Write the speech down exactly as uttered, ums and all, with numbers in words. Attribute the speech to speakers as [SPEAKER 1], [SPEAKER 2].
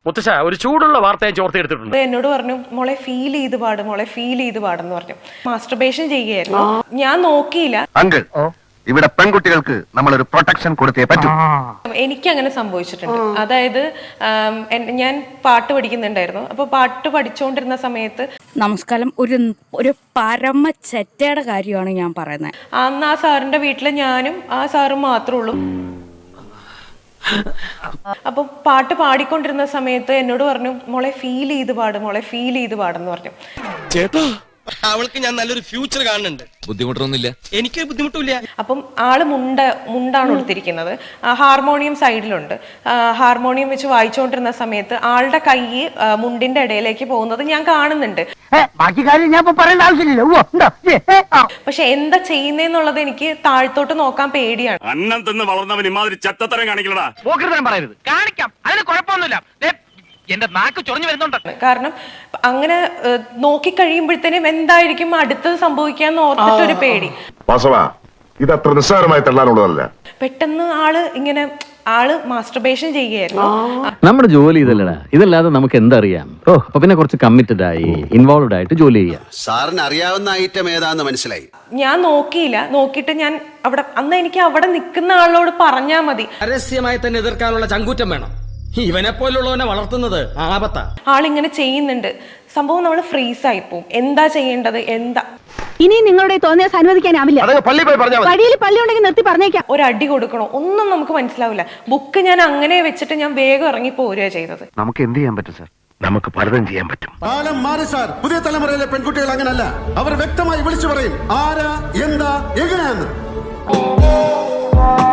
[SPEAKER 1] മുത്തശ്ശ ഒരു ചൂടുള്ള വാർത്ത ഞാൻ ചോർത്തെടുത്തിട്ടുണ്ട്.
[SPEAKER 2] എന്നോട് പറഞ്ഞു മോളെ ഫീൽ ചെയ്ത് പാടും മോളെ ഫീൽ ചെയ്ത് പാടെന്ന് പറഞ്ഞു. മാസ്റ്റർബേഷൻ ചെയ്യുകയായിരുന്നു. ഞാൻ നോക്കിയില്ല.
[SPEAKER 3] അങ്കിൾ ഇവിടെ പെൺകുട്ടികൾക്ക് നമ്മളൊരു പ്രൊട്ടക്ഷൻ കൊടുത്തേ പറ്റൂ.
[SPEAKER 2] എനിക്ക് അങ്ങനെ സംഭവിച്ചിട്ടുണ്ട്. അതായത് ഞാൻ പാട്ട് പഠിക്കുന്നുണ്ടായിരുന്നു. അപ്പൊ പാട്ട് പഠിച്ചുകൊണ്ടിരുന്ന സമയത്ത്
[SPEAKER 4] നമസ്കാരം, ഒരു ഒരു പരമ ചെറ്റയുടെ കാര്യമാണ് ഞാൻ പറയുന്നത്.
[SPEAKER 2] അന്ന് ആ സാറിന്റെ വീട്ടില് ഞാനും ആ സാറും മാത്രമേ ഉള്ളൂ. അപ്പൊ പാട്ട് പാടിക്കൊണ്ടിരുന്ന സമയത്ത് എന്നോട് പറഞ്ഞു മോളെ ഫീൽ ചെയ്ത് പാടും മോളെ ഫീൽ ചെയ്ത് പാടെന്ന് പറഞ്ഞു.
[SPEAKER 5] ചേട്ടാ അവൾക്ക് ഞാൻ നല്ലൊരു ഫ്യൂച്ചർ കാണുന്നുണ്ട്. ബുദ്ധിമുട്ടൊന്നുമില്ല, എനിക്ക് ബുദ്ധിമുട്ടില്ല.
[SPEAKER 2] അപ്പം ആള് മുണ്ട മുണ്ടാണ് കൊടുത്തിരിക്കുന്നത്. ഹാർമോണിയം സൈഡിലുണ്ട്. ഹാർമോണിയം വെച്ച് വായിച്ചുകൊണ്ടിരുന്ന സമയത്ത് ആളുടെ കൈ മുണ്ടിന്റെ ഇടയിലേക്ക് പോകുന്നത് ഞാൻ കാണുന്നുണ്ട്.
[SPEAKER 6] ബാക്കി കാര്യം ഞാൻ പറയേണ്ട ആവശ്യമില്ല.
[SPEAKER 2] പക്ഷെ എന്താ ചെയ്യുന്നേന്നുള്ളത് എനിക്ക് താഴ്ത്തോട്ട് നോക്കാൻ പേടിയാണ്.
[SPEAKER 7] അന്നം തിന്ന് വളർന്നവൻ ഇമാതിരി ചത്തത്തരം കാണിക്കലടാ.
[SPEAKER 6] പറയരുത്, കാണിക്കാം, അതിന് കുഴപ്പമൊന്നുമില്ല. എന്റെ നാക്ക് ചൊറിഞ്ഞു വരുന്നുണ്ട്.
[SPEAKER 2] കാരണം അങ്ങനെ നോക്കിക്കഴിയുമ്പോഴത്തേനും എന്തായിരിക്കും അടുത്തത് സംഭവിക്കാന്ന് ഓർത്തിട്ടൊരു പേടി.
[SPEAKER 3] ഇത് അത്ര നിസ്സാരമായി തള്ളാനുള്ളതല്ല.
[SPEAKER 2] പെട്ടെന്ന് ആള് ഇങ്ങനെ ആള് മാസ്റ്റർബേഷൻ ചെയ്യുകയായിരുന്നു.
[SPEAKER 8] നമ്മുടെ ജോലി ഇതല്ലടാ, ഇതല്ലാതെ നമുക്ക് എന്തറിയാം. ഓ അപ്പൊ പിന്നെ കുറച്ച് കമ്മിറ്റഡ് ആയി ഇൻവോൾവ്ഡ് ആയിട്ട് ജോലി ചെയ്യാം.
[SPEAKER 9] സാറിന് അറിയാവുന്ന ഐറ്റം ഏതാന്ന് മനസ്സിലായി.
[SPEAKER 2] ഞാൻ നോക്കിയില്ല. നോക്കിയിട്ട് ഞാൻ അവിടെ അന്ന് എനിക്ക് അവിടെ നിൽക്കുന്ന ആളോട് പറഞ്ഞാ മതി.
[SPEAKER 5] പരസ്യമായി തന്നെ എതിർക്കാനുള്ള ചങ്കൂറ്റം വേണം. ഇവനെ പോലുള്ളവനെ വളർത്തുന്നത് ആപത്താ.
[SPEAKER 2] ആളിങ്ങനെ ചെയ്യുന്നുണ്ട്. സംഭവം നമ്മൾ ഫ്രീസ് ആയി പോവും. എന്താ ചെയ്യേണ്ടത് എന്താ.
[SPEAKER 4] ഇനി നിങ്ങളുടെ തോന്നിയാൽ അനുവദിക്കാനാവില്ല. വഴിയിൽ പള്ളി ഉണ്ടെങ്കിൽ നിർത്തി പറഞ്ഞേക്കാം.
[SPEAKER 2] ഒരു അടി കൊടുക്കണോ ഒന്നും നമുക്ക് മനസ്സിലാവില്ല. ബുക്ക് ഞാൻ അങ്ങനെ വെച്ചിട്ട് ഞാൻ വേഗം ഇറങ്ങി പോരുക ചെയ്തത്.
[SPEAKER 3] നമുക്ക് എന്ത് ചെയ്യാൻ പറ്റും സാർ? നമുക്ക് പലതും ചെയ്യാൻ പറ്റും.
[SPEAKER 9] കാലം മാറി സാർ. പുതിയ തലമുറയിലെ പെൺകുട്ടികൾ അങ്ങനല്ല. അവർ വ്യക്തമായി വിളിച്ചു പറയും ആരാ എന്താ എങ്ങനെയാന്ന്.